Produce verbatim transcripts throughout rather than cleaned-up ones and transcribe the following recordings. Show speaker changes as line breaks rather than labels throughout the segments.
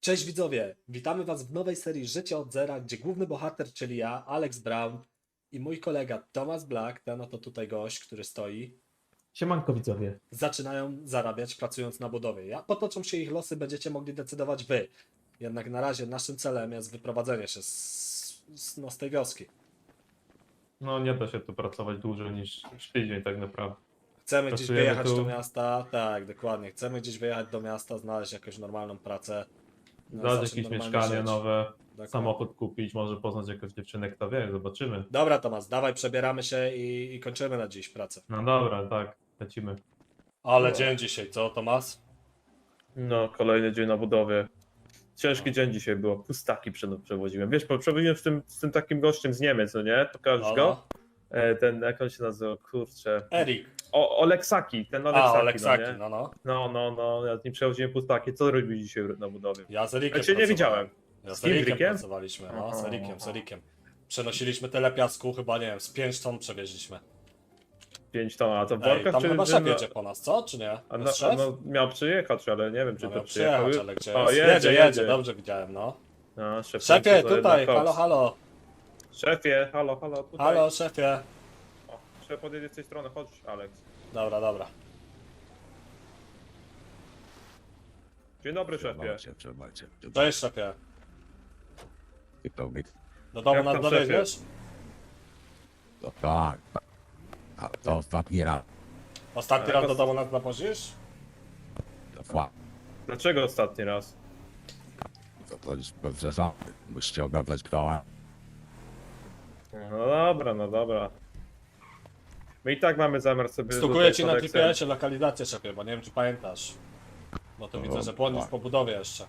Cześć widzowie, witamy was w nowej serii Życie od zera, gdzie główny bohater, czyli ja, Alex Brown i mój kolega Thomas Black, ten oto tutaj gość, który stoi,
Siemanko widzowie.
zaczynają zarabiać pracując na budowie. Jak potoczą się ich losy, będziecie mogli decydować wy. Jednak na razie naszym celem jest wyprowadzenie się z, z, no, z tej wioski.
No nie da się tu pracować dłużej niż, niż tydzień tak naprawdę.
Chcemy gdzieś
Pracujemy
wyjechać
tu.
do miasta, tak, dokładnie. Chcemy gdzieś wyjechać do miasta, znaleźć jakąś normalną pracę. no,
Znaleźć
zacząć
jakieś
normalnie
mieszkanie
żyć.
nowe,
Dokładnie.
samochód kupić, może poznać jakąś dziewczynę, kto wie, zobaczymy.
Dobra Tomas, dawaj, przebieramy się i, i kończymy na dziś pracę.
No dobra, tak, lecimy.
Ale
No.
dzień dzisiaj, co Tomas?
No, kolejny dzień na budowie. Ciężki dzień dzisiaj było, pustaki prze- przewoziłem. Wiesz, bo przewoziłem z tym, z tym takim gościem z Niemiec, no nie? Pokażesz
No,
go?
no.
E, ten, jak on się nazywa, kurczę.
Erik.
O, Oleksaki, ten
A,
Oleksaki,
Oleksaki,
no nie?
no no.
No, no, no, ja z nim przewoziłem pustaki. Co robił dzisiaj na budowie?
Ja z Erikiem
Ja cię nie
pracowałem.
widziałem.
Ja z,
Z kim,
Erikiem
Rikiem?
pracowaliśmy, no, z
Aha.
Erikiem, z Erikiem. Przenosiliśmy tyle piasku, chyba nie wiem, z pięć ton przewieźliśmy.
pięć ton, a to w
Ej,
workach
tam
czy...
chyba
czy
szef
no-
jedzie po nas, co? Czy nie?
A no,
Jest szef?
no, miał przyjechać, ale nie wiem, czy
No
to
miał
przyjechał.
przyjechać, ale gdzie
O,
jest?
jedzie,
jedzie,
jedzie.
jedzie, dobrze widziałem, no.
No, szef
Szefie,
kończy
tutaj,
na
halo,
koks.
halo.
Szefie, halo, halo, tutaj.
Halo, szefie.
O, szef podjedzie z tej strony, chodź, Alex.
Dobra, dobra.
Dzień dobry, szefie.
Trzymajcie, trzymajcie.
Cześć, szefie.
I to mi.
Do domu
Jak
nas
tam,
dowieziesz?
To tak. A to ostatni raz.
Ostatni
Ale
raz
to-
do domu nas nawozisz?
To fa.
Dlaczego ostatni raz?
To, to jest bez zasady. Musicie ogarnąć kto.
No dobra, no dobra. My i tak mamy zamiar sobie...
Stukuję
rzucać
ci na
Aleksem.
G P S-ie lokalizację, szefie, bo nie wiem, czy pamiętasz. Bo to
No,
widzę, że błądzisz
tak.
po budowie jeszcze.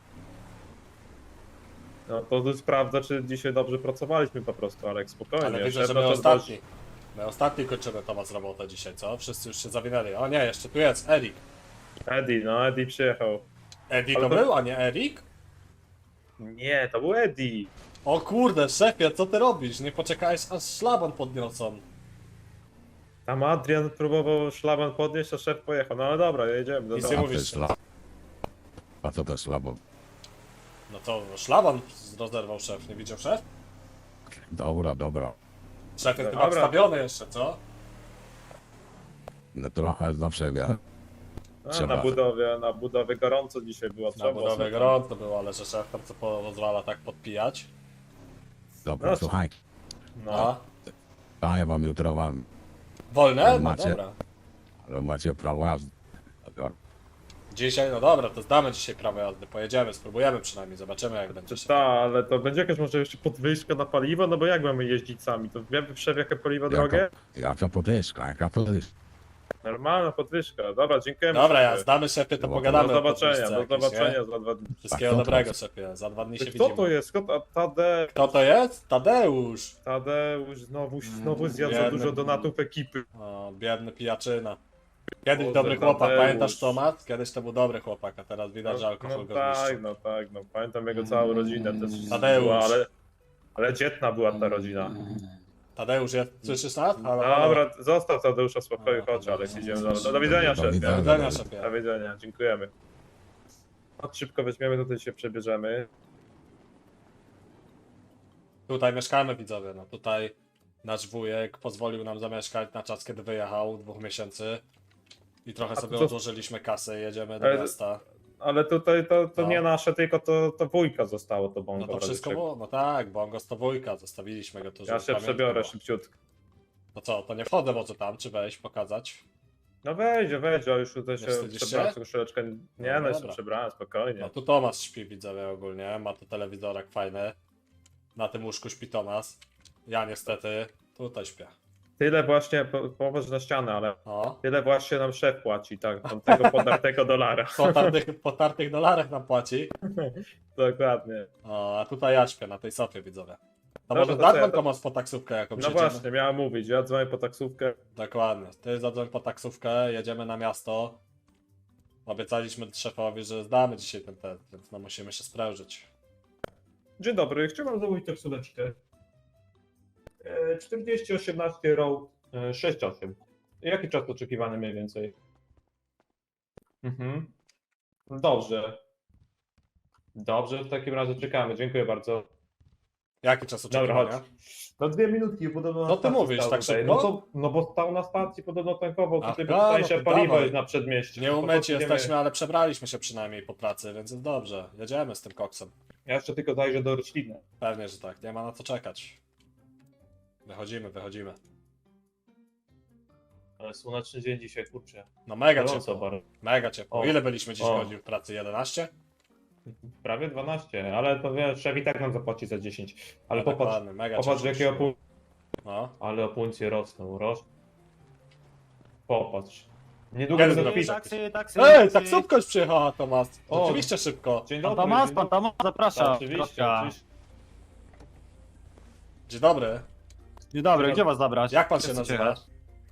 No to tu sprawdzę, czy dzisiaj dobrze pracowaliśmy po prostu, Alex, spokojnie.
Ale widzę,
Szef
że my
to
ostatni. My ostatni kończymy Tomas robotę dzisiaj, co? Wszyscy już się zawinęli. O nie, jeszcze tu jest Erik.
dość- Eddie, no Eddie przyjechał.
Eddie
Ale
to
to-
był, a nie Erik?
Nie, to był Eddie.
O kurde, szefie, co ty robisz? Nie poczekałeś, aż szlaban podniosą.
Tam Adrian próbował szlaban podnieść, a szef pojechał. No ale dobra, jedziemy do
Nic
domu.
nie
A
mówisz.
to jest słabo. A to to słabo.
No to szlaban rozerwał szef, nie widział szef?
Dobra, dobra.
Szef jest
Dobra.
chyba wstawiony jeszcze, co?
No trochę zawsze ja.
A,
Trzeba.
na budowie, na budowie gorąco dzisiaj było.
Na
trzeba
budowie
sobie-
gorąco było, ale że szef tam co pozwala tak podpijać.
Dobra,
No,
słuchaj.
No.
A ja wam jutro wam.
Wolne? No
Macie.
dobra.
Ale macie prawo jazdy. Dobra.
Dzisiaj, no dobra, to zdamy dzisiaj prawo jazdy, pojedziemy, spróbujemy przynajmniej, zobaczymy jak będzie
Czy
się.
ta, ale to będzie jakaś może jeszcze podwyżka na paliwo? No bo jak mamy jeździć sami? To wiemy szef jakie paliwo drogie?
Jaka, jaka podwyżka, jaka podwyżka.
Normalna podwyżka. Dobra, dziękujemy.
Dobra, ja
szefie.
zdamy szefie, to
Do
pogadamy.
Do
o
zobaczenia,
podwyżce
do
jakiejś,
zobaczenia
nie?
za dwa dni.
Wszystkiego
Tak, to
dobrego
tak.
szefie, za dwa dni się
Kto
widzimy.
to jest? Kto, a Tade...
Kto to jest? Tadeusz!
Tadeusz znowu, znowu zjadł za
Biedny.
dużo donatów ekipy.
O, biedny pijaczyna. Kiedyś
Boże,
dobry chłopak,
Tadeusz.
pamiętasz Tomat? Kiedyś to był dobry chłopak, a teraz widać, że
No,
alkohol
no
go
tak,
zniszczył.
no tak, no pamiętam jego całą rodzinę też.
Tadeusz.
Była, ale, ale dzietna była ta rodzina.
Tadeusz, jest, słyszysz nas? Halo, halo.
Dobra, zostaw Tadeusza w spokoju, chodź Aleks, idziemy do, do, do widzenia
Do
szefie.
widzenia.
Do widzenia szefie.
Do widzenia, dziękujemy. Chodź szybko weźmiemy, tutaj się przebierzemy.
Tutaj mieszkamy widzowie, no tutaj nasz wujek pozwolił nam zamieszkać na czas, kiedy wyjechał, dwóch miesięcy. I trochę
A
sobie
to-
odłożyliśmy kasę, jedziemy do
Ale-
miasta.
Ale tutaj to, to
No.
nie nasze, tylko to, to wujka zostało, to
No
bongo.
to wszystko było, no tak, bo on go z to wujka, zostawiliśmy go tu,
Ja
żeby
się
pamiątka
przebiorę
była.
szybciutko.
No co, to nie wchodzę może tam, czy wejść, pokazać?
No wejdzie, wejdzie, a już tutaj się
wstydzisz
przebrałem
się?
troszeczkę. Nie,
No
no, jeszcze
dobra.
przebrałem, spokojnie.
No tu Tomasz śpi widzowie ogólnie, ma tu telewizorek fajny. Na tym łóżku śpi Tomasz. Ja niestety tutaj śpię.
Tyle właśnie, po- popatrz na ścianę, ale
O,
tyle właśnie nam szef płaci, tak, tam tego podartego dolara.
po tartych, po tartych dolarach nam płaci.
Dokładnie.
O, a tutaj ja śpię na tej sofie widzowie. To
Dobra,
może
to co ja
zadzwoń
to-
Tomasz po taksówkę jakąś
No
jedziemy.
właśnie, miałem mówić, ja dzwonię po taksówkę.
Dokładnie. Ty zadzwoń po taksówkę, jedziemy na miasto. Obiecaliśmy szefowi, że zdamy dzisiaj ten test, więc no musimy się sprężyć.
Dzień dobry, chciałbym zamówić taksóweczkę. E, czterdzieści osiemnaście Road e, sześć osiem. Jaki czas oczekiwany mniej więcej? Mhm. Dobrze. Dobrze, w takim razie czekamy, dziękuję bardzo.
Jaki czas
Dobra,
oczekiwania?
chodź. No dwie minutki, podobno na
Co ty
stacji
mówisz,
stał
tak
tutaj.
szybko?
No, to, no bo stał na stacji, podobno tankował,
Aha,
tutaj
no
tańsze
to
paliwo
dawaj.
jest na przedmieściu.
Nie
No to
umyci
podjedziemy.
jesteśmy, ale przebraliśmy się przynajmniej po pracy, więc jest dobrze. Jedziemy z tym koksem.
Ja jeszcze tylko zajrzę do rośliny.
Pewnie, że tak. Nie ma na co czekać. Wychodzimy, wychodzimy.
Ale słoneczny dzień dzisiaj, kurczę.
No mega
Gorąco
ciepło.
bardzo.
Mega ciepło.
O.
Ile byliśmy dziś
O.
godzin w pracy? jedenaście?
Prawie dwanaście, ale to wiesz, szef i tak nam zapłaci za dziesięć. Ale
No,
popatrz,
dokładnie, mega
popatrz
ciepło
jakie
dzisiaj.
opół...
No.
Ale opuncje rosną, roś. Popatrz. Niedługo
Kiedy
będą
zrobisz?
pisać.
Taksy, taksy,
Ej,
taksy.
taksówka już przyjechała, Tomas.
O.
Oczywiście szybko.
Dzień
Pan
dobry.
Tomasz,
dzień
pan
dobry.
Tomasz, zapraszam.
Oczywiście,
Kropka.
oczywiście.
Dzień dobry.
Dzień dobry, gdzie was zabrać?
Jak pan
Gdzie
się
chcecie
nazywa?
jechać?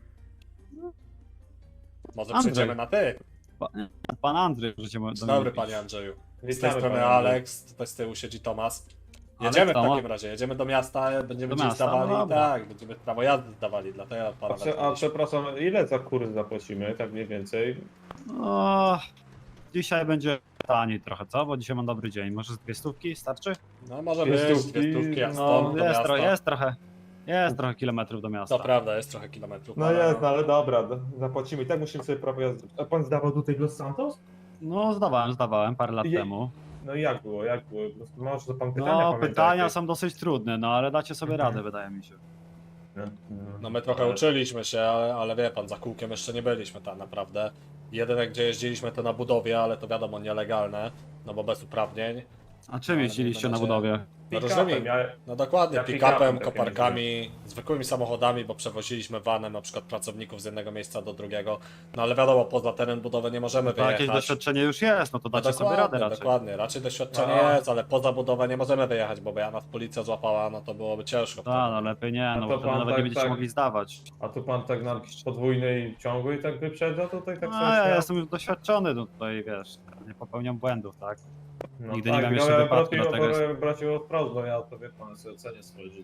Może
Andrzej.
przejdziemy na ty.
Pa- Pan Andrzej, możecie do
Dzień
mnie
dobry,
mówić.
panie Andrzeju. Z tej
Witamy,
strony
panie
Alex, tutaj z tyłu siedzi Tomas.
Aleks,
Jedziemy w
Tomas.
takim razie, jedziemy do miasta, będziemy
Do
dziś
miasta, no
zdawali,
dobra.
tak, będziemy prawo jazdy zdawali, dlatego pana
A, prze, a
wezwaliśmy.
przepraszam, ile za kurs zapłacimy, tak mniej więcej?
No, dzisiaj będzie taniej trochę, co? Bo dzisiaj mam dobry dzień. Może z dwie stówki starczy?
No może
Dwie
być,
stówki,
dwie stówki, a
no,
stąd do
jest,
miasta.
tro, jest trochę. Jest trochę kilometrów do miasta.
To prawda, jest trochę kilometrów.
No
ale
jest, no ale dobra, d- zapłacimy i tak musimy sobie prawo jazdy. A pan zdawał tutaj Los Santos?
No, zdawałem, zdawałem parę lat
Je-
temu.
No i jak było, jak było? Po prostu Może to pan pytania
No,
pamięta,
pytania
jakie?
są dosyć trudne, no ale dacie sobie
Mhm.
radę, wydaje mi się.
No,
No my trochę
ale-
uczyliśmy się, ale, ale wie pan, za kółkiem jeszcze nie byliśmy tak naprawdę. Jedyne gdzie jeździliśmy to na budowie, ale to wiadomo nielegalne, no bo bez uprawnień.
A czym
Ale
jeździliście
na
na
razie-
budowie?
No
Pick-upem,
różnymi,
ja,
no dokładnie,
Ja
pick-upem,
pick-upem takim
koparkami, zwykłymi samochodami, bo przewoziliśmy vanem na przykład pracowników z jednego miejsca do drugiego. No ale wiadomo, poza teren budowy nie możemy
To jakieś
wyjechać.
doświadczenie już jest, no to
No
dacie sobie radę raczej.
dokładnie, raczej doświadczenie
No.
jest, ale poza budowę nie możemy wyjechać, bo by nas policja złapała, no to byłoby ciężko.
No, no lepiej nie,
No
no
to
bo wtedy
pan
nawet
tak-
nie będziecie
tak.
mogli zdawać.
a tu pan tak na podwójnej ciągłej tak wyprzedza, tutaj tak
No,
sobie
ja
śmiał?
jestem już doświadczony, no tutaj wiesz, nie popełniam błędów, tak?
No
nigdy nie
tak,
miałem
no
jeszcze
ja
wypadku,
braci-
dlatego jest-
ja braci od prost, bo ja to wie pan, sobie cenię swoje życie.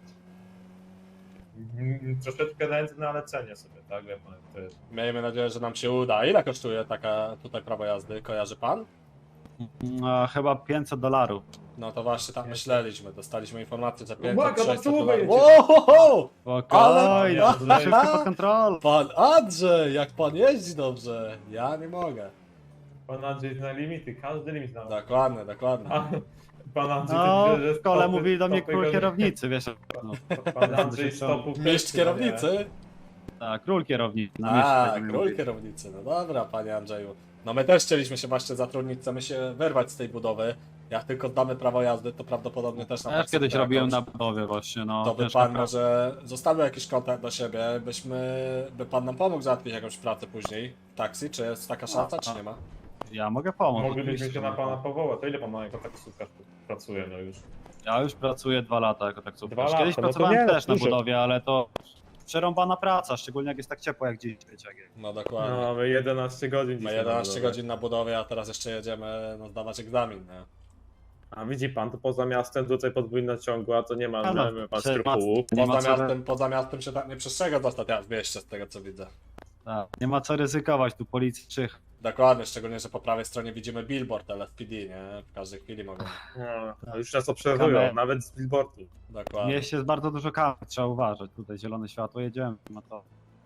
Mm, Troszeczkę nędzny, ale cenię sobie, tak, wie pan, to jest.
Miejmy nadzieję, że nam się uda. Ile kosztuje taka tutaj prawo jazdy? Kojarzy pan?
No, chyba pięćset dolarów.
No to właśnie tak myśleliśmy. Dostaliśmy informację, że
Uwaga,
pięćset
na
sześćset
czołówę
dolarów.
jedzie.
Wow!
Spokojnie,
Ale-
to wszystko pod kontrolą.
Pan Andrzej, jak pan jeździ dobrze. Ja nie mogę.
Pan Andrzej zna limity, każdy limit zna.
Dokładnie, dokładnie.
A, pan Andrzej
No,
to widzę, że
w szkole
stopy-
mówili do mnie
stopy
król
go-
kierownicy, wiesz. No,
Pan Andrzej stopów
Mistrz
też chyba nie.
kierownicy?
tak, król kierownicy. Na
A,
mieście tak
król
mówili.
kierownicy. No dobra, panie Andrzeju. No my też chcieliśmy się właśnie zatrudnić, chcemy się wyrwać z tej budowy. Jak tylko damy prawo jazdy, to prawdopodobnie też na
Ja już
taksówkę
kiedyś robiłem na
jakąś.
budowie właśnie, no.
To by
ciężka
pan
praca.
może zostawił jakiś kontakt do siebie, byśmy, by pan nam pomógł załatwić jakąś pracę później w taksji, czy jest taka szansa, czy nie ma?
Ja mogę pomóc.
Moglibyśmy
oczywiście,
się na
mogę
pana
pomóc.
powołać. To ile pan ma jako taksówkarz pracuje no już?
Ja już pracuję dwa lata jako
Dwa
taksówkarz.
lata,
Kiedyś
no to
pracowałem
nie, no
też na
dużo.
budowie, ale to przerąbana praca, szczególnie jak jest tak ciepło jak dziś, wiecie jak jest.
No dokładnie.
No, mamy jedenaście godzin
My
dzisiaj.
jedenaście
na budowę.
godzin na budowie, a teraz jeszcze jedziemy no, zdawać egzamin, nie?
A widzi pan, to poza miastem tutaj podwójna ciągła, to nie ma,
A no,
nie ma pan
prze-
skrupułów.
Nie ma
Poza
co-
miastem, poza miastem się tak nie przestrzega dostać w mieście, z tego co widzę.
Tak, nie ma co ryzykować, tu policji czych.
Dokładnie, szczególnie, że po prawej stronie widzimy billboard L S P D, nie? W każdej chwili mogą.
No, już nas obserwują,
Kamery.
nawet z billboardu.
W
Dokładnie.
mieście jest bardzo dużo kamer, trzeba uważać. Tutaj zielone światło, jedziemy. No to...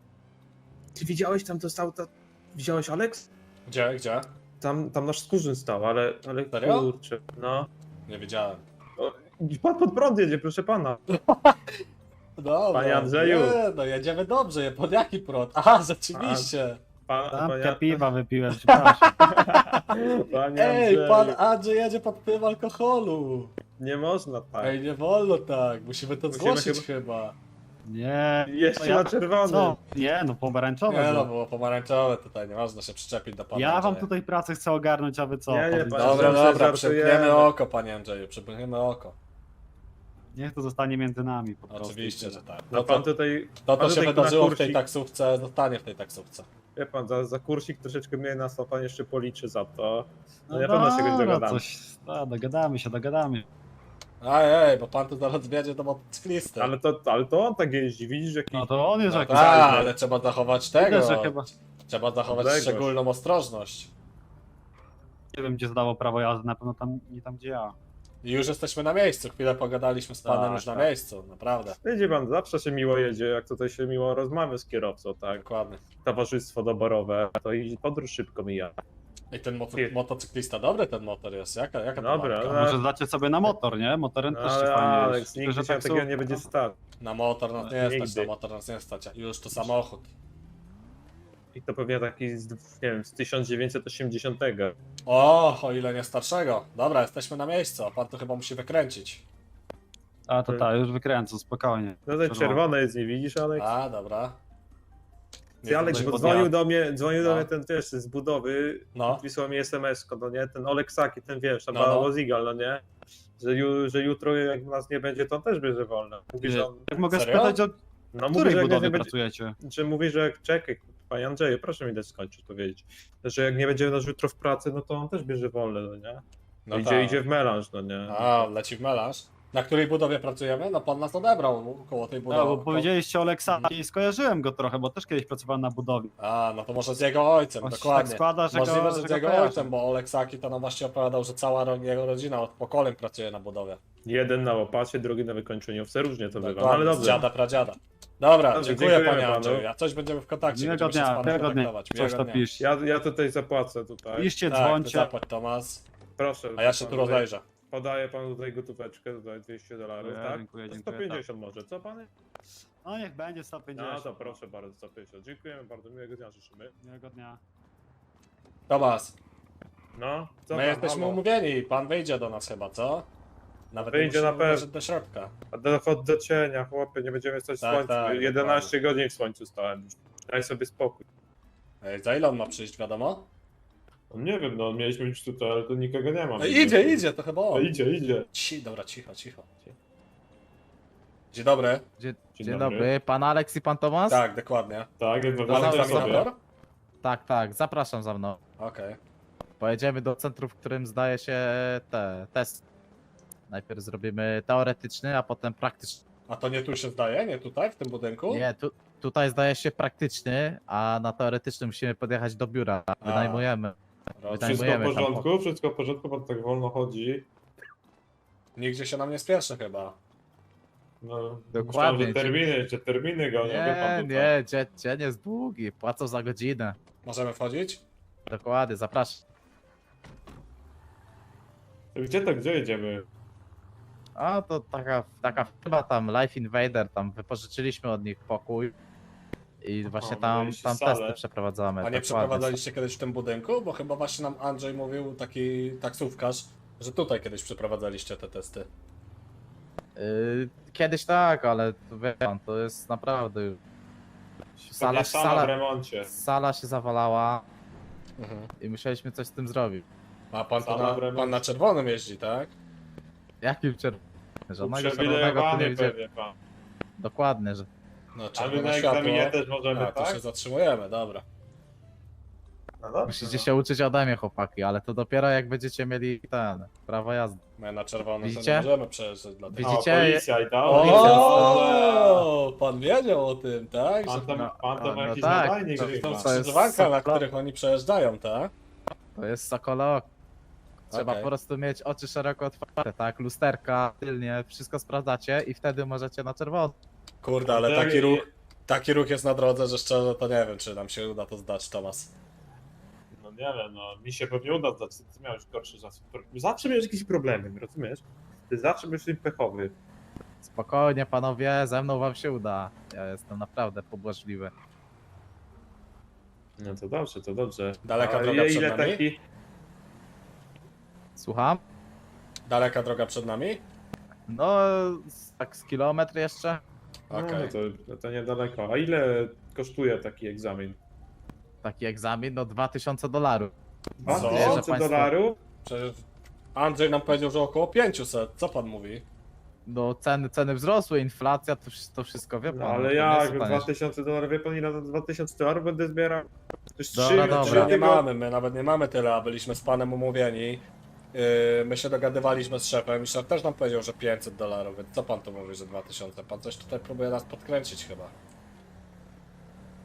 Ty widziałeś tam to stał, to... widziałeś Alex?
Gdzie, gdzie?
Tam, tam nasz skórzyn stał, ale, ale
Serio?
kurczę, no.
Nie widziałem.
Pan pod prąd jedzie, proszę pana.
Dobra.
Panie Andrzeju.
Nie, no jedziemy dobrze, pod jaki prąd? Aha, rzeczywiście.
Pan,
Lampkę piwa wypiłem, przepraszam.
Panie
Ej,
Andrzeju,
pan Andrzej jedzie pod wpływem alkoholu.
nie można tak.
Ej, nie wolno tak, musimy to
Musimy
zgłosić chyba.
Nie.
Jeszcze
to ja-
na czerwony.
Co? Nie, no pomarańczowe.
Nie no,
było.
było pomarańczowe tutaj, nie można się przyczepić do pana
Ja wam
Andrzeja.
tutaj pracę chcę ogarnąć, a wy co?
Nie, nie,
Powiedz-
panie
Dobra,
Żartujemy.
dobra, przepchniemy oko, panie Andrzeju, przepchniemy oko.
Niech to zostanie między nami po prostu.
Oczywiście, że tak.
No
No
pan
to,
tutaj,
to,
pan
to się
tutaj na
wydarzyło w tej
kursik-
taksówce, zostanie w tej taksówce.
wie pan, za, za kursik troszeczkę mniej nas, to pan jeszcze policzy za to. No,
No
na pewno się czegoś
dobra,
dogadamy.
coś, no, dogadamy się, dogadamy.
Ej, ej, bo pan tu zaraz wiedzie do motocyklisty.
Ale to, ale to on tak jeździ, widzisz jaki...
No to on jest
No
jakiś...
tak, ale trzeba zachować tego.
Widać, że chyba...
Trzeba zachować
Odległość.
szczególną ostrożność.
Nie wiem, gdzie zdało prawo jazdy, na pewno tam, nie tam, gdzie ja.
I już jesteśmy na miejscu. Chwilę pogadaliśmy z panem
Tak,
już na
tak.
miejscu, naprawdę.
Wiecie pan, zawsze się miło jedzie, jak tutaj się miło rozmawia z kierowcą, tak?
Dokładnie.
Towarzystwo doborowe, to i podróż szybko mija.
I ten moto
Nie.
motocyklista, dobry ten motor jest. Jaka, jaka to
Dobra,
marka?
ale-
Może zdacie sobie na motor, nie? Motorem też się
Ale
fajnie
Aleks,
jeździ.
nigdy
Tylko,
się
że
takiego
taksówka-
nie będzie stać.
Na motor nas nie
Nigdy.
stać, na motor nas nie stać. Już to samochód.
I to pewnie taki, z, nie wiem, z tysiąc dziewięćset osiemdziesiątego.
O, o ile nie starszego. Dobra, jesteśmy na miejscu, a pan to chyba musi wykręcić.
A to tak, już wykręcę, spokojnie.
No to
Czerwone.
czerwone jest, nie widzisz, Aleks?
A, dobra.
Ty, Aleks,
tutaj
bo
podjazd.
dzwonił do mnie, dzwonił do
No.
mnie ten, wiesz, z budowy,
No.
wysłał mi es em es ko, no nie, ten Oleksaki, ten wiesz, tam
No, no.
Łozigal, no nie, że, ju, że jutro jak nas nie będzie, to on też bierze wolne. Mówi, że on,
Jak mogę
Serio?
spytać, o
no mówi,
której
że jak
budowie
nie będzie,
pracujecie?
że mówi, że jak, czekaj, panie Andrzeju, proszę mi dać skończyć powiedzieć, że jak nie będzie nas jutro w pracy, no to on też bierze wolne, no nie,
No
idzie,
tak.
idzie w melanż, no nie.
A, leci w melanż. Na której budowie pracujemy? No pan nas odebrał koło tej budowy.
No, bo powiedzieliście o Leksaki i skojarzyłem go trochę, bo też kiedyś pracowałem na budowie.
A, no to może z jego ojcem,
Właśnie
dokładnie.
tak składa, że
Możliwe,
go,
że
że
z
go
jego
kojarzę.
ojcem, bo Oleksaki to nam właśnie opowiadał, że cała ro- jego rodzina od pokoleń pracuje na budowie.
Jeden na łopacie, drugi na wykończeniówce, różnie to bywa, no,
Dokładnie,
ale
z
dobrze.
dziada, pradziada. Dobra,
Dobrze,
dziękuję
dziękujemy
panie
panu.
Andrzeju. A coś będziemy w kontakcie,
Miłego
będziemy się z
dnia,
panem
miłego dnia.
kontaktować.
Coś
Miłego
to
dnia.
pisz.
Ja, ja tutaj zapłacę tutaj,
Piszcie,
Tak, ty
dzwońcie.
zapłać Tomas,
proszę.
a ja się
pan
tu
tutaj-
rozejrzę.
Podaję panu tutaj gotóweczkę, tutaj dwieście dolarów,
Dziękuję,
tak?
dziękuję,
To
dziękuję,
sto pięćdziesiąt może, co panie?
No niech będzie sto pięćdziesiąt.
No to proszę bardzo, sto pięćdziesiąt. Dziękujemy bardzo, miłego dnia życzymy.
Miłego dnia.
Tomas,
No, co
my
tam,
jesteśmy
halo?
umówieni, pan wyjdzie do nas chyba, co? Nawet
Wyjdzie
nie
na
musimy
pewno.
wejść do środka.
A dochód do cienia, chłopie, nie będziemy stać w
Tak,
słońcu.
tak,
jedenaście godzin w słońcu stałem. Daj sobie spokój.
Ej, za ile on ma przyjść, wiadomo?
No, nie wiem, no mieliśmy być tutaj, ale tu nikogo nie ma.
No idzie, idzie, to chyba
No,
on.
idzie, idzie.
Ci, dobra, cicho, cicho. Dzień dobry.
Dzień,
Dzień
dzień
dobry.
dobry. Pan Aleks i pan Tomasz?
Tak, dokładnie.
Tak, jest
Pan
wybrany sobie.
egzaminator?
Tak, tak, zapraszam za mną.
Okej.
Pojedziemy do centrum, w którym zdaje się te test. Najpierw zrobimy teoretyczny, a potem praktyczny.
A to nie tu się zdaje? Nie tutaj, w tym budynku?
Nie, tu, tutaj zdaje się praktyczny, a na teoretyczny musimy podjechać do biura. Wynajmujemy.
Rozumiem.
Wszystko w
Zajmujemy tam
porządku, wszystko w porządku, pan tak wolno chodzi.
Nigdzie się nam nie spieszy chyba.
No,
Dokładnie.
myślałem, że terminy, że terminy go, nie, wie
Nie,
pan tutaj.
nie, dzie, dzień jest długi, płacą za godzinę.
Możemy wchodzić?
Dokładnie, zapraszam.
Gdzie to, gdzie jedziemy?
A to taka, taka firma tam, Life Invader, tam wypożyczyliśmy od nich pokój. I właśnie tam,
wydaliście
tam
salę.
testy przeprowadzamy.
A nie
dokładnie.
przeprowadzaliście kiedyś w tym budynku? Bo chyba właśnie nam Andrzej mówił, taki taksówkarz, że tutaj kiedyś przeprowadzaliście te testy.
Yy, Kiedyś tak, ale to wie pan, to jest naprawdę. Sala,
Pewnie sama w
sala,
remoncie.
sala się zawalała
Mhm.
i musieliśmy coś z tym zrobić.
A pan, to
Sama
na,
w remoncie.
pan na czerwonym jeździ, tak?
Jakim czerwonym? Żadnego czerwonego tu nie
Uprzywilejowany
widziałem.
pewnie pan.
Dokładnie, że
No
A my
czerwone
na
światło.
egzaminie też możemy,
A, to
tak?
się zatrzymujemy, dobra.
No dobrze,
musicie
no.
się uczyć ode mnie, chłopaki, ale to dopiero jak będziecie mieli ten prawo jazdy.
My na czerwonym to nie
Widzicie?
możemy przejeżdżać dla tego.
Widzicie?
O, policja i to.
O, pan wiedział o tym, tak?
Pan
Że
to,
No,
pan to
no
ma jakiś
tak,
nadajnik
to-
chyba.
to
to jest
skrzyżowanka, na
sokolo-
których oni przejeżdżają, tak?
To jest sokolok. Trzeba
Okej.
po prostu mieć oczy szeroko otwarte, tak? Lusterka, tylnie, wszystko sprawdzacie i wtedy możecie na czerwono.
Kurde, ale
Andrzej,
taki ruch, taki ruch jest na drodze, że szczerze to nie wiem, czy nam się uda to zdać, Tomas.
No nie wiem, no mi się pewnie uda zdać. Ty miałeś gorszy czas. Zawsze miałeś jakieś problemy, rozumiesz? Ty zawsze byłeś tym pechowy.
Spokojnie, panowie, ze mną wam się uda. Ja jestem naprawdę pobłażliwy.
No to dobrze, to dobrze.
Daleka
A
droga
ile
przed nami?
taki...
Słucham?
Daleka droga przed nami?
No, z- tak z kilometr jeszcze.
No,
Okej.
no to, no to niedaleko. A ile kosztuje taki egzamin?
Taki egzamin, no dwa tysiące dolarów.
dwa
Co?
tysiące
Państwo-
dolarów?
Przecież Andrzej nam powiedział, że około pięćset. Co pan mówi?
No ceny, ceny wzrosły, inflacja, to, wsz- to wszystko wie pan.
No
to
ale
nie
jak,
jest tanie.
dwa tysiące dolarów, wie pan ile na dwa tysiące dolarów będę zbierał? To jest
Dobra,
trzy,
dobra.
trzy
My nie
tygodnie.
mamy, my nawet nie mamy tyle, a byliśmy z panem umówieni. Yy, my się dogadywaliśmy z szefem i szef też nam powiedział, że pięćset dolarów, więc co pan tu mówi, że dwa tysiące? Pan coś tutaj próbuje nas podkręcić chyba.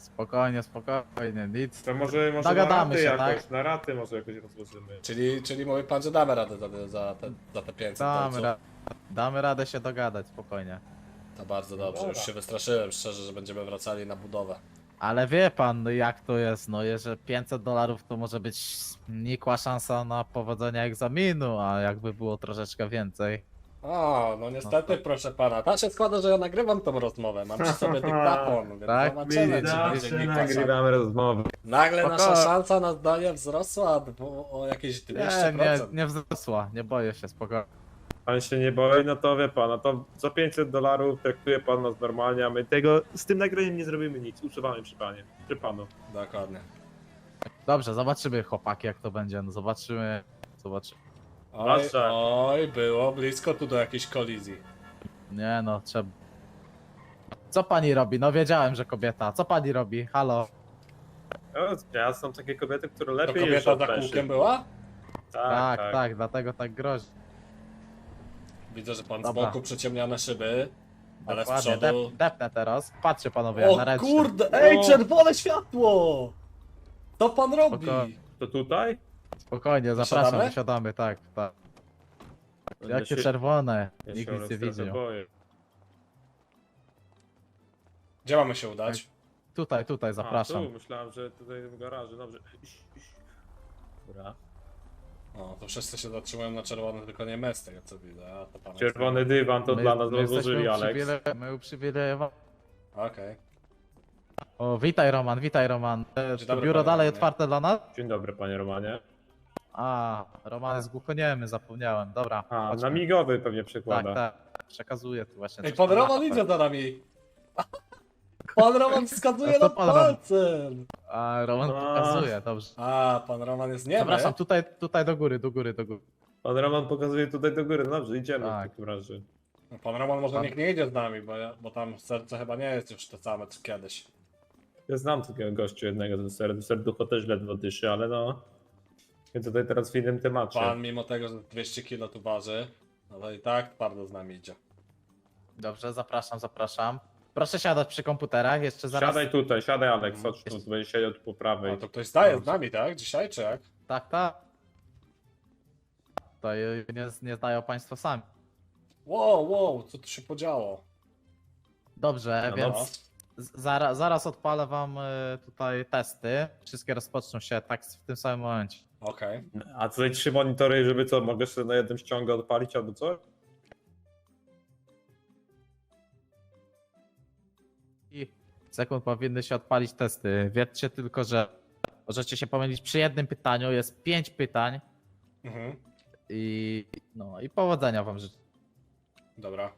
Spokojnie, spokojnie, nic.
To może, może na
Dogadamy
raty
się,
jakoś,
tak?
na raty może jakoś rozłożymy.
Czyli, czyli mówi pan, że damy radę za, za, te, za te pięćset
Damy,
dolców.
ra damy radę się dogadać, spokojnie.
To bardzo dobrze, już
Dobra.
się wystraszyłem szczerze, że będziemy wracali na budowę.
Ale wie pan, no jak to jest, no jeżeli pięćset dolarów to może być nikła szansa na powodzenie egzaminu, a jakby było troszeczkę więcej.
O, no niestety, proszę pana. Tak się składa, że ja nagrywam tą rozmowę. Mam przy sobie dyktafon, więc
Tak,
zobaczymy, czy
Zawsze
będzie nikła szansa.
nagrywamy rozmowę.
Nagle
Spoko.
nasza szansa na zdanie wzrosła bo o jakieś dwieście
Nie,
procent.
nie, nie wzrosła, nie boję się, spokojnie.
Pan się nie boi, no to wie pan, no to za pięćset dolarów traktuje pan nas normalnie, a my tego z tym nagraniem nie zrobimy nic. Usuwamy przy panie, przy panu.
Dokładnie.
Dobrze, zobaczymy chłopaki jak to będzie, no zobaczymy, zobaczymy.
Oj,
Proszę.
oj, było blisko tu do jakiejś kolizji.
Nie no, trzeba... Co pani robi? No wiedziałem, że kobieta. Co pani robi? Halo?
O, ja są takie kobiety, które
To
lepiej
kobieta
jeżdżą
za
pęszy.
kółkiem była?
Tak, tak, dlatego tak grozi.
Widzę, że pan z
Dobra.
boku przyciemnione szyby, ale z
Dokładnie,
przodu...
dep, depnę teraz. Patrzcie panowie, jak na
O
ręcznym.
kurde, ej,
O.
czerwone światło! Co pan robi?
Spoko.
To tutaj?
Spokojnie, zapraszam,
Wysiadamy?
wysiadamy, tak, tak.
Ja
Jakie
się-
czerwone,
ja
nikt
się
nic nie
trochę
widział.
boję.
Gdzie mamy się udać?
Tutaj, tutaj, zapraszam.
A, tu, myślałem, że tutaj w garażu, dobrze. Iść, iść. Dobra.
O, to wszyscy się zatrzymują na czerwonym, tylko nie my z tego co widzę. A to pan
Czerwony dywan to
My-
dla nas
my jesteśmy
rozłożyli, Alex.
uprzywile- My uprzywilejowani.
Okej.
O, witaj Roman, witaj Roman. E,
Dzień
To
dobry,
biuro
panie
dalej
Romanie.
otwarte dla nas?
Dzień dobry, panie Romanie.
A, Roman jest głuchoniemy, zapomniałem. Dobra,
A,
chodźmy.
na migowy pewnie
Tak,
przekłada.
tak. Przekazuję tu właśnie.
Ej,
coś
pan
tam
Roman
na-
idzie za nami! Pan Roman wskazuje
A to
na
pan Roman.
palcem!
A, Roman
A.
pokazuje, dobrze.
A, pan Roman jest niemy?
Zapraszam, tutaj, tutaj do góry, do góry, do góry.
Pan Roman pokazuje tutaj do góry, no dobrze, idziemy
Tak.
w takim razie.
No, pan Roman może
Pan-
niech nie idzie z nami, bo, ja, bo tam serce chyba nie jest już to same co kiedyś.
Ja znam takiego gościu jednego, ten ser, serducho też ledwo dyszy, ale no... My tutaj teraz w innym temacie.
Pan mimo tego, że dwieście kilo tu waży, no to i tak twardo z nami idzie.
Dobrze, zapraszam, zapraszam. Proszę siadać przy komputerach, jeszcze zaraz.
Siadaj tutaj, siadaj Alex,
Mhm.
chodź tu, będzie siedział tu po prawej.
A to ktoś staje z nami, tak? Dzisiaj czy jak?
Tak, tak. To nie, nie znają państwo sami.
Wow, wow, co tu się podziało?
Dobrze,
No,
więc z- zaraz, zaraz odpalę wam y, tutaj testy. Wszystkie rozpoczną się tak w tym samym momencie.
Okej.
A tutaj trzy monitory, żeby co, mogę sobie na jednym ściągu odpalić albo co?
I sekund powinny się odpalić testy. Wiedzcie tylko, że możecie się pomylić przy jednym pytaniu. Jest pięć pytań
Mhm.
i no i powodzenia wam życzę.
Dobra.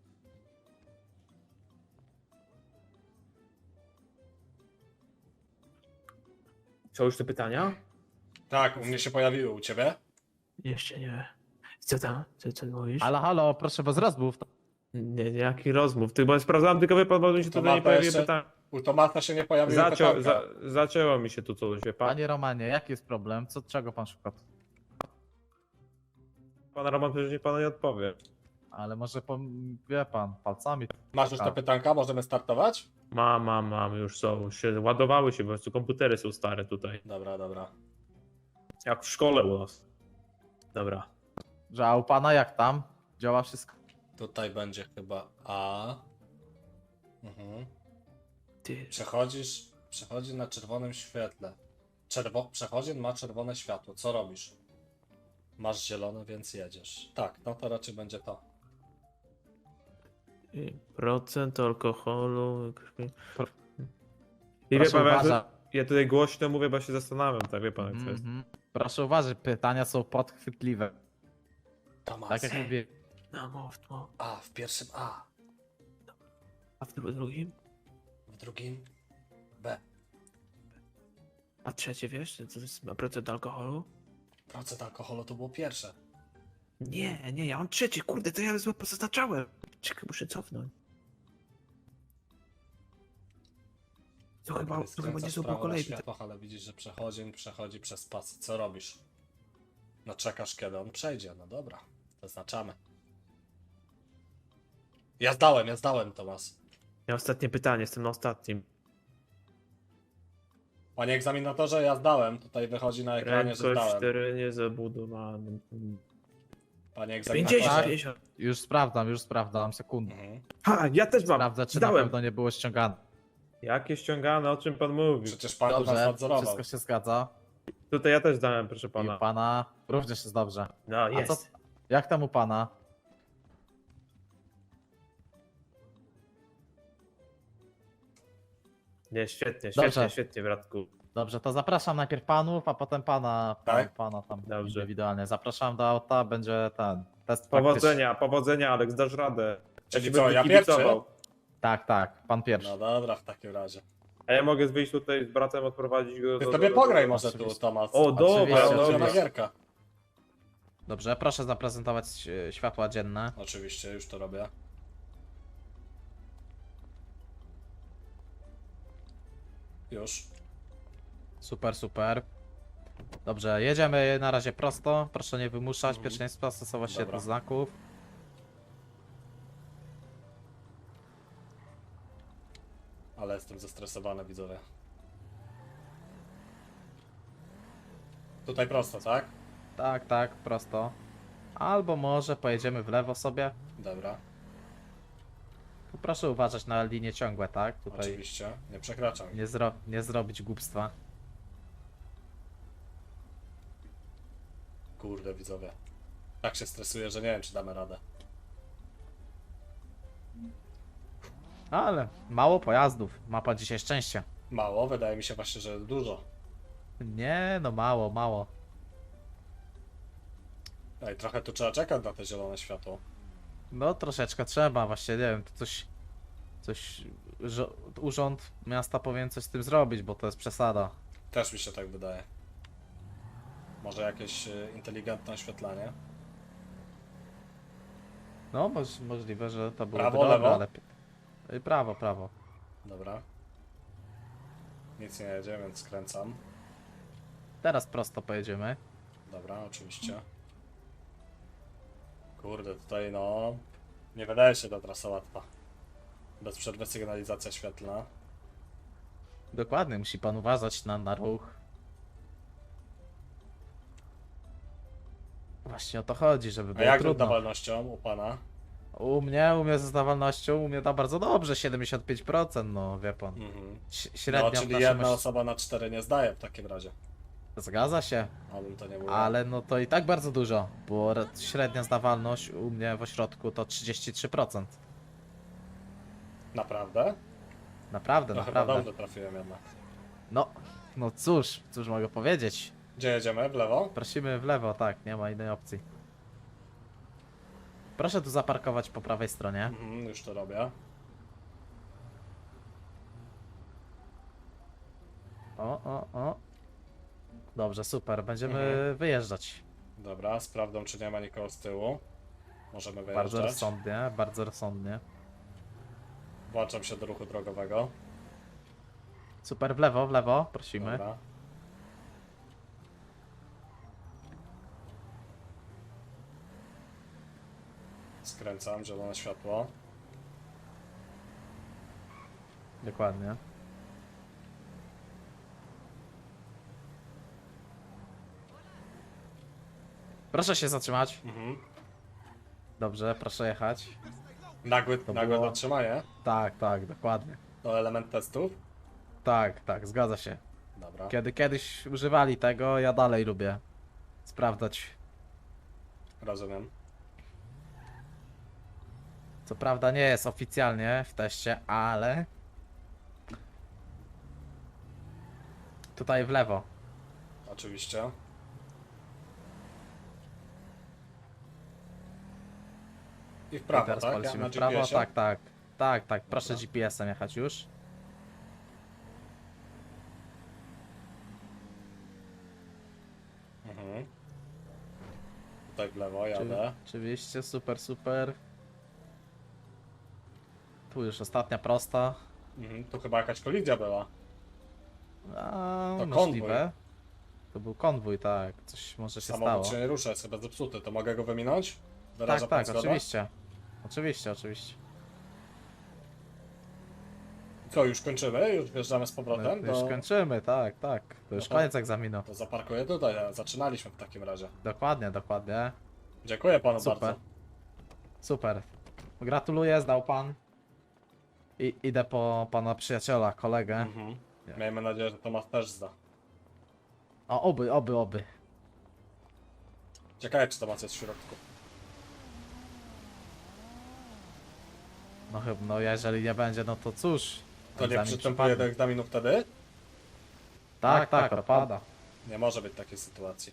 Są już te pytania?
Tak, u mnie się pojawiły, u ciebie?
Jeszcze nie. Co tam? Co, co mówisz?
Halo, halo, proszę bez rozmów.
Nie, nie.
Jaki rozmów? Ty, bo sprawdzałem tylko, wie pan, bo mi się
To
tutaj nie
ma
pojawiły
jeszcze-
pytania.
U Tomasa się nie pojawiły
Zacią,
pytanka.
za, zacięło mi się tu coś, wie pan.
Panie Romanie, jaki jest problem? Co, czego pan szuka?
Pan Roman przecież nie panu nie odpowie.
Ale może pom- wie pan, palcami.
Masz już te
Tak.
pytanka? Możemy startować?
Mam, mam, mam, już są, się ładowały się, po prostu komputery są stare tutaj.
Dobra, dobra.
Jak w szkole u nas. Dobra.
Że a u pana jak tam? Działa wszystko?
Tutaj będzie chyba A. Mhm.
Ty,
Przechodzisz, przechodzi na czerwonym świetle. Czerwo, przechodzień ma czerwone światło. Co robisz? Masz zielone, więc jedziesz. Tak, no to raczej będzie to.
y, procent alkoholu. krwi.
I wie
Proszę
pan, ja, tu,
uważać.
ja tutaj głośno mówię, bo się zastanawiam, tak wie pan jak to jest.
Mhm. Proszę uważać, pytania są podchwytliwe.
Tomas.
Tak jak mówię.
No mów, mów.
A, w pierwszym A.
A w dru- drugim?
W drugim B.
A trzecie wiesz, co to jest procent alkoholu?
Procent alkoholu to było pierwsze.
Nie, nie, ja mam trzecie, kurde, to ja złe pozaznaczałem. Czekaj, muszę cofnąć. To chyba, to chyba nie
Skręcasz
są po
prawo na
kolei.
światłach, ale widzisz, że przechodzień przechodzi przez pas. Co robisz? No czekasz, kiedy on przejdzie. No dobra, zaznaczamy. Ja zdałem, ja zdałem, Tomas.
Ja ostatnie pytanie, jestem na ostatnim.
Panie egzaminatorze, ja zdałem. Tutaj wychodzi na ekranie, że
Prędkość w
zdałem.
terenie zabudowanym.
Panie
pięćdziesiąt,
egzaminatorze.
pięćdziesiąt.
Już sprawdzam, już sprawdzam, sekundę.
Mhm.
Ha, ja też mam.
Sprawdzę, czy na
Zdałem.
pewno nie było ściągane.
Jakie ściągane, o czym pan mówi?
Przecież pan tu nas
Dobrze,
nadzorował.
wszystko się zgadza.
Tutaj ja też zdałem, proszę
I
pana.
pana również jest dobrze.
No,
A
jest.
co, jak tam u pana?
Nie, świetnie,
Dobrze.
świetnie, świetnie, bratku.
Dobrze, to zapraszam najpierw panów, a potem pana,
Tak?
pana tam
Dobrze.
indywidualnie. Zapraszam do auta, będzie ten test praktyczny.
Powodzenia, powodzenia, Aleks, dasz radę. Ja
Czyli
ci
co,
będę
ja
kibicował.
Tak, tak, pan pierwszy.
No dobra, w takim razie.
A ja mogę wyjść tutaj z bratem, odprowadzić go
Ty
do...
sobie
do- do-
pograj
do-
może tu,
oczywiście.
Tomas.
O, dobra,
Oczywiście,
dobra.
Ulubiona gierka.
Dobrze, proszę zaprezentować e, światła dzienne.
Oczywiście, już to robię. Już.
Super, super. Dobrze, jedziemy na razie prosto. Proszę nie wymuszać
Mhm.
pierwszeństwa, stosować się
Dobra.
do znaków.
Ale jestem zestresowany, widzowie. Tutaj prosto, tak?
Tak, tak, prosto. Albo może pojedziemy w lewo sobie.
Dobra,
Tu proszę uważać na linie ciągłe, tak? Tutaj
oczywiście. Nie przekraczam.
nie, zro nie zrobić głupstwa.
Kurde, widzowie. Tak się stresuję, że nie wiem, czy damy radę.
Ale mało pojazdów. Ma pan dzisiaj szczęście.
Mało, wydaje mi się właśnie, że dużo.
Nie, no mało, mało.
Ej, trochę tu trzeba czekać na te zielone światło.
No troszeczkę trzeba, właśnie nie wiem, to coś, coś, że urząd miasta powinien coś z tym zrobić, bo to jest przesada.
Też mi się tak wydaje. Może jakieś y, inteligentne oświetlenie?
No, moż, możliwe, że to byłoby
Prawo,
dobre,
lewo?
ale... Y, Prawo, prawo.
Dobra. Nic nie jedzie, więc skręcam.
Teraz prosto pojedziemy.
Dobra, oczywiście. Kurde, tutaj no... Nie wydaje się ta trasa łatwa. Bez przerwy sygnalizacja świetlna.
Dokładnie, musi pan uważać na, na ruch. Właśnie o to chodzi, żeby
A
było
jak z
trudno.
oddawalnością u pana?
U mnie, u mnie ze zdawalnością, u mnie da bardzo dobrze, siedemdziesiąt pięć procent, no wie pan.
Mhm.
Ś-
No,
Średnio w
czyli
naszym
jedna
oś-
osoba na cztery nie zdaje w takim razie.
Zgadza się,
Abym to nie mówił.
ale no to i tak bardzo dużo, bo re- średnia zdawalność u mnie w ośrodku to trzydzieści trzy procent.
Naprawdę?
Naprawdę,
No chyba
naprawdę.
dobrze trafiłem jednak.
No, no cóż, cóż mogę powiedzieć.
Gdzie jedziemy? W lewo?
Prosimy w lewo, tak, nie ma innej opcji. Proszę tu zaparkować po prawej stronie.
Mhm, już to robię.
O, o, o. Dobrze, super, będziemy
Mhm.
wyjeżdżać.
Dobra, sprawdzam, czy nie ma nikogo z tyłu. Możemy
Bardzo
wyjeżdżać.
rozsądnie, bardzo rozsądnie.
Włączam się do ruchu drogowego.
Super, w lewo, w lewo, prosimy.
Dobra. Skręcam, zielone światło.
Dokładnie. Proszę się zatrzymać.
Mhm.
Dobrze, proszę jechać.
Nagłe,
To
nagłe
było-
zatrzymanie.
Tak, tak, dokładnie.
To element testów.
Tak, tak, zgadza się.
Dobra.
Kiedy kiedyś używali tego, ja dalej lubię sprawdzać.
Rozumiem.
Co prawda nie jest oficjalnie w teście, ale tutaj w lewo.
Oczywiście. I w
I
prawo,
teraz
tak? Ja
polecimy
na
w prawo.
G P S-ie?
Tak, tak. Tak, tak. Proszę
Dobra.
G P S-em jechać już.
Mhm. Tutaj w lewo jadę.
Oczywiście, super, super. Tu już ostatnia prosta.
Mhm. Tu chyba jakaś kolizja była.
A,
To
możliwe. To był konwój, tak. Coś może się stało.
Samochód się nie rusza, jest chyba zepsuty. To mogę go wyminąć? Wyraża
Tak,
pan
tak,
zgodę?
oczywiście. Oczywiście, oczywiście.
Co, już kończymy? Już wjeżdżamy z
No,
powrotem?
to już
Do...
kończymy, tak, tak. To już
No to-
koniec egzaminu.
To zaparkuję tutaj, a zaczynaliśmy w takim razie.
Dokładnie, dokładnie.
Dziękuję panu
Super.
bardzo.
Super. Gratuluję, zdał pan. I idę po pana przyjaciela, kolegę.
Mhm. Miejmy nadzieję, że Tomasz też zda.
O, oby, oby, oby.
Ciekawe, czy Tomasz jest w środku.
No chyba, no jeżeli nie będzie, no to cóż.
To nie
egzamin
przystępuje do
przypadnie.
egzaminu wtedy?
Tak, tak, odpada.
Nie może być takiej sytuacji.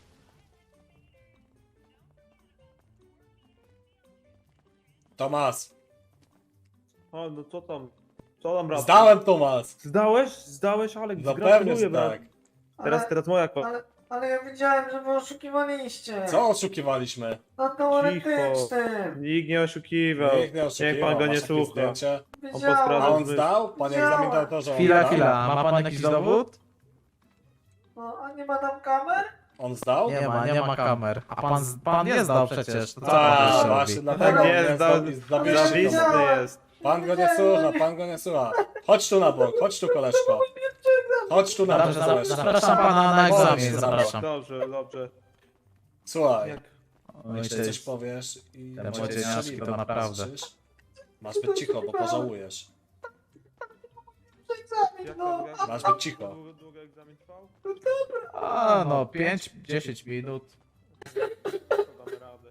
Tomas!
A, no co tam? Co tam, brat?
Zdałem, Tomas!
Zdałeś? Zdałeś, Alek,
Zapewne,
gratuluję,
że
brat.
tak.
Teraz,
Ale,
teraz moja kolej.
ale, ale ja widziałem, że wy oszukiwaliście.
Co oszukiwaliśmy?
Na teoretycznym.
Nikt nie oszukiwał.
Nikt nie oszukiwał.
Niech pan go nie
Masz jakieś
słucha.
zdjęcie?
On
A
posprawdzał.
Widziałem.
on zdał? Panie
Widziałem.
egzaminatorze, on
Chwila,
zdał?
chwila. Ma pan jakiś dowód?
No, a nie ma tam kamer?
On zdał?
Nie ma, nie ma kamer. A pan, z- pan nie zdał przecież. To co pan
A,
jeszcze
właśnie,
robi?
dlatego
Nie,
nie
zdał-
zdał- zdobyliście
Zawistny
dowód.
jest.
Pan go nie słucha, pan go nie słucha. Chodź tu na bok, chodź tu koleżko. Chodź tu na bok,
Dobrze, zap-
koleżko.
zapraszam pana na
Chodź,
egzamin,
zapraszam.
zapraszam.
Dobrze, dobrze.
Słuchaj,
Jak?
Oj,
jeszcze
to
coś
jest-
powiesz i
te
będzie
młodzieniaszki
strzeliwe,
to naprawdę.
słyszysz? Masz być cicho, bo pożałujesz.
Egzamin,
Jak
no.
tam,
Masz być cicho.
Długo, długo egzamin trwał?
A, no, pięć dziesięć minut.
To damy radę.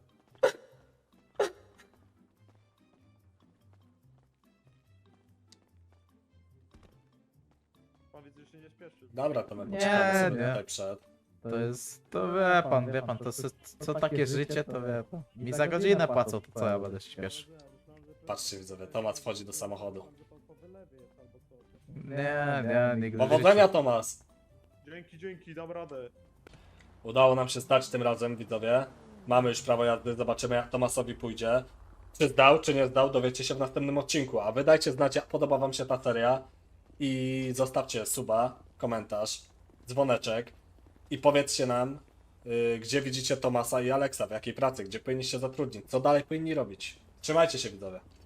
Pan widzę, że się nie śpieszy.
Dobra, to my
Nie,
poczekamy sobie
nie.
tutaj przed.
To jest, to wie pan, wie pan, to jest, co takie życie, to wie pan. Mi za godzinę płacą, to co ja będę się śpieszył?
Patrzcie widzowie, Tomasz wchodzi do samochodu.
Nie, nie, nigdy w
Powodzenia,
życiu.
Tomasz!
Dzięki, dzięki, dam radę.
Udało nam się stać tym razem, widzowie. Mamy już prawo jazdy, zobaczymy jak Tomasowi pójdzie. Czy zdał, czy nie zdał, dowiecie się w następnym odcinku. A wy dajcie znać, jak podoba wam się ta seria. I zostawcie suba, komentarz, dzwoneczek. I powiedzcie nam, yy, gdzie widzicie Tomasa i Aleksa, w jakiej pracy, gdzie powinni się zatrudnić, co dalej powinni robić. Trzymajcie się, widzowie.